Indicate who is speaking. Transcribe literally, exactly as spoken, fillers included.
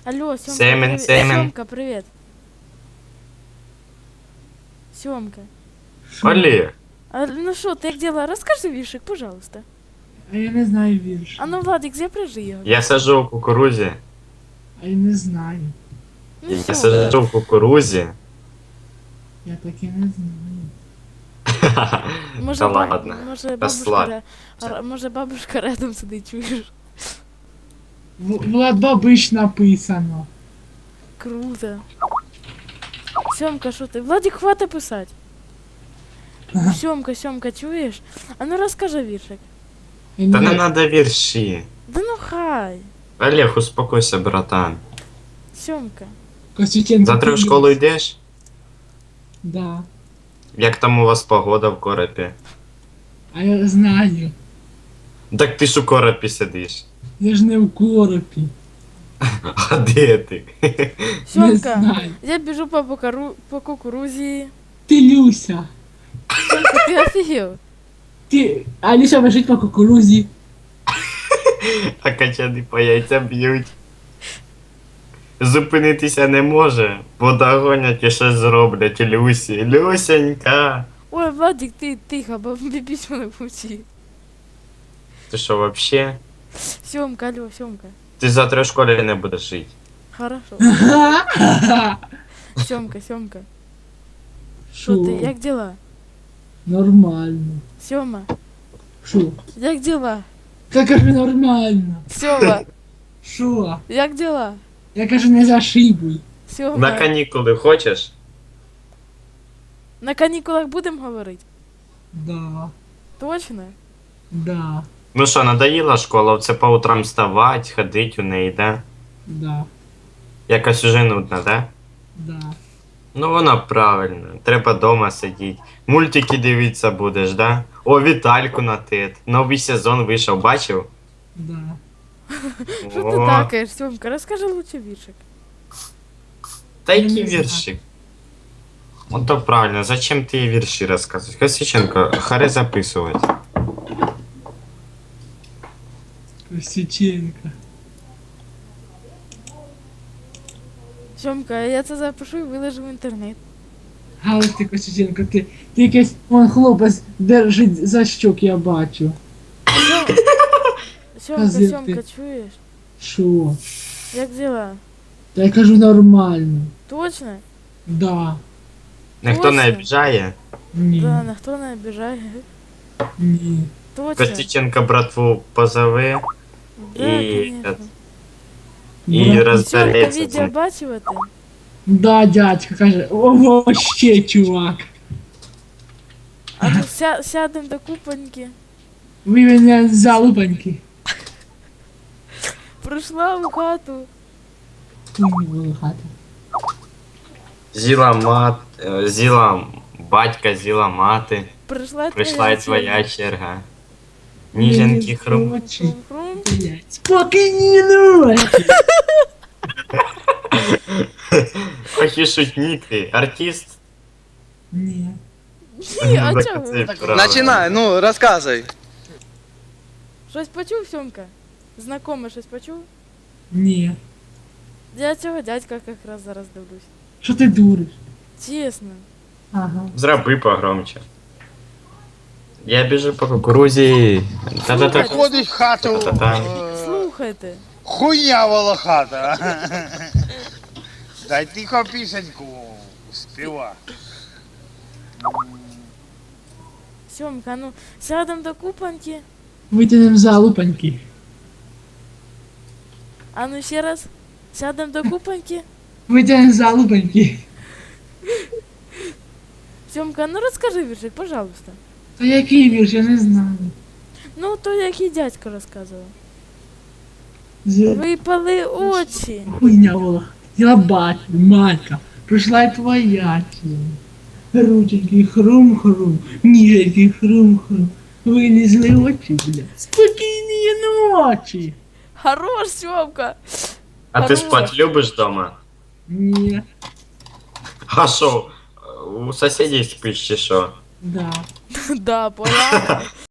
Speaker 1: Алло, Семка,
Speaker 2: Семен,
Speaker 1: привет.
Speaker 2: Семен.
Speaker 1: Семка, привет. Семка.
Speaker 2: Олег,
Speaker 1: А, ну что, ты как дела? Расскажи вишек, пожалуйста.
Speaker 3: А я не знаю вірш.
Speaker 1: А ну, Владик, запряжи его.
Speaker 2: я сажу в кукурузі.
Speaker 3: А я не знаю.
Speaker 1: Ну,
Speaker 2: Я
Speaker 1: Семка.
Speaker 2: сажу в кукурузі.
Speaker 3: Я таки не знаю.
Speaker 1: Може,
Speaker 2: Та
Speaker 1: баб-
Speaker 2: ладно.
Speaker 1: може, бабушка,
Speaker 2: Розслаб.
Speaker 1: ре- р- може, бабушка рядом сидить, чуєш?
Speaker 3: В- Влад Бабич написано.
Speaker 1: Круто. Семка, що ти? Владик, хватит писать. Семка, Семка, чуєш? А ну розкажи віршик.
Speaker 3: Я
Speaker 2: Та не
Speaker 3: не-
Speaker 2: надо вірші.
Speaker 1: Да ну хай.
Speaker 2: Олег, успокойся, братан.
Speaker 1: Семка.
Speaker 3: Костюченко.
Speaker 2: Завтра в
Speaker 3: ти-
Speaker 2: школу йдеш?
Speaker 3: Да.
Speaker 2: Як там у вас погода в коропі?
Speaker 3: А я знаю.
Speaker 2: Так ти ж у коропі сидиш.
Speaker 3: Я ж не в коропі.
Speaker 2: А де ти?
Speaker 3: Не
Speaker 1: Семка,
Speaker 3: знаю.
Speaker 1: я біжу по, покару... по кукурузі.
Speaker 3: Ти Люся.
Speaker 1: Семка, ти офігел?
Speaker 3: Ти... А Люся бежить по кукурузі.
Speaker 2: А качани по яйцям б'ють. Зупинитися не може, бо догонять і щось зроблять Люсі. Люсенька.
Speaker 1: Ой, Владик, ти тихо, бо бібісь мене путі.
Speaker 2: Ти що, вообще?
Speaker 1: Семка, алло, Семка.
Speaker 2: Ти завтра в школі не будеш жити.
Speaker 1: Хорошо.
Speaker 3: Ага.
Speaker 1: Семка, Семка. Що ти, як дела?
Speaker 3: Нормально.
Speaker 1: Сема,
Speaker 3: Шо?
Speaker 1: як дела?
Speaker 3: Я кажу нормально.
Speaker 1: Сема,
Speaker 3: Шо?
Speaker 1: як дела?
Speaker 3: Я кажу не зашибуй.
Speaker 1: Сема,
Speaker 2: На канікули хочеш?
Speaker 1: на канікулах будемо говорити?
Speaker 3: Да.
Speaker 1: Точно?
Speaker 3: Да.
Speaker 2: Ну що, надоїла школа, це по утрам вставати, ходити у неї, да?
Speaker 3: Да.
Speaker 2: Якось уже нудно, да?
Speaker 3: Да.
Speaker 2: Ну воно правильно, треба дома сидіти. Мультики дивитися будеш, да? О, Вітальку на тет. Новий сезон вийшов, бачив?
Speaker 3: Да.
Speaker 1: Що ти
Speaker 2: О,
Speaker 1: такаєш, Семка? Розкажи лучше віршик.
Speaker 2: Та
Speaker 3: Я
Speaker 2: які
Speaker 3: не знаю.
Speaker 2: вірші? Ну то правильно, зачем ти їй вірші розказуєш? Косиченко, харе записувати.
Speaker 3: Костюченко.
Speaker 1: Семка, я це запишу і виложу в інтернет.
Speaker 3: Але ти, Костюченко, ти, ти якийсь, вон хлопець держить за щок, я бачу.
Speaker 1: Семка,
Speaker 3: Газети.
Speaker 1: Семка, чуєш?
Speaker 3: Шо?
Speaker 1: Як дела?
Speaker 3: Та я кажу нормально.
Speaker 1: Точно?
Speaker 3: Да.
Speaker 2: Ніхто не
Speaker 1: Точно?
Speaker 2: обіжає.
Speaker 3: Ні.
Speaker 1: Да, ніхто не обіжає.
Speaker 3: Ні.
Speaker 1: Точно?
Speaker 2: Костюченко братву позови
Speaker 1: Да,
Speaker 2: і,
Speaker 1: конечно.
Speaker 2: і
Speaker 3: Брат,
Speaker 1: Семка,
Speaker 2: розбереться. з
Speaker 1: відео
Speaker 2: ним.
Speaker 1: бачила ти?
Speaker 3: Да, дядька каже, о, ще чувак.
Speaker 1: А ну ся, сядем до купоньки.
Speaker 3: Ви мене залупаньки.
Speaker 1: Прийшла в хату.
Speaker 3: Волохати.
Speaker 2: Зіла мат, е, зіла батька, зіла мати.
Speaker 1: Прийшла
Speaker 2: Прийшла і
Speaker 1: твоя
Speaker 2: твоя черга. Ніженькі хрум.
Speaker 3: Очі.
Speaker 1: Хрум-хрум.
Speaker 3: Спокійні ночі.
Speaker 2: Охі шутник ти, артист.
Speaker 3: Ні.
Speaker 1: Ні, а
Speaker 2: Так
Speaker 1: чого?
Speaker 2: це правда.
Speaker 4: Начинай, ну рассказывай.
Speaker 1: Щось почув, Сьомка? Знакоме щось почув?
Speaker 3: Ні.
Speaker 1: Я цього дядька якраз зараз дивлюсь.
Speaker 3: Що ти дуриш?
Speaker 1: Чесно.
Speaker 3: Ага.
Speaker 2: Зроби погромче. Я біжу по кукурузі. Та-та-та.
Speaker 4: Ходить в хату.
Speaker 2: Та-та-та.
Speaker 4: е,
Speaker 1: Слухайте.
Speaker 4: Хуйня волохата. Дай тихо пісеньку співа.
Speaker 1: Сьомка, ну сядем до купоньки.
Speaker 3: Витягнемо залупаньки.
Speaker 1: А ну ще раз. Сядем до купоньки.
Speaker 3: Витягнемо залупаньки.
Speaker 1: Сьомка, ну розкажи віршик, пожалуйста.
Speaker 3: Та який вірш, я не знаю.
Speaker 1: Ну, то який дядько розказував.
Speaker 3: З-
Speaker 1: Випали очі.
Speaker 3: Хуйня волох. Я бачу, матка. Прийшла й твоя черга. Рученьки хрум-хрум, ніженьки хрум-хрум. Вилізли очі, бля. Спокійні ночі.
Speaker 1: Хорош, Сьомка.
Speaker 2: А ти
Speaker 1: Хорош.
Speaker 2: спать любиш дома?
Speaker 3: Ні.
Speaker 2: А що, у сусідів спиш чи що?
Speaker 3: Да.
Speaker 1: Да, поняла.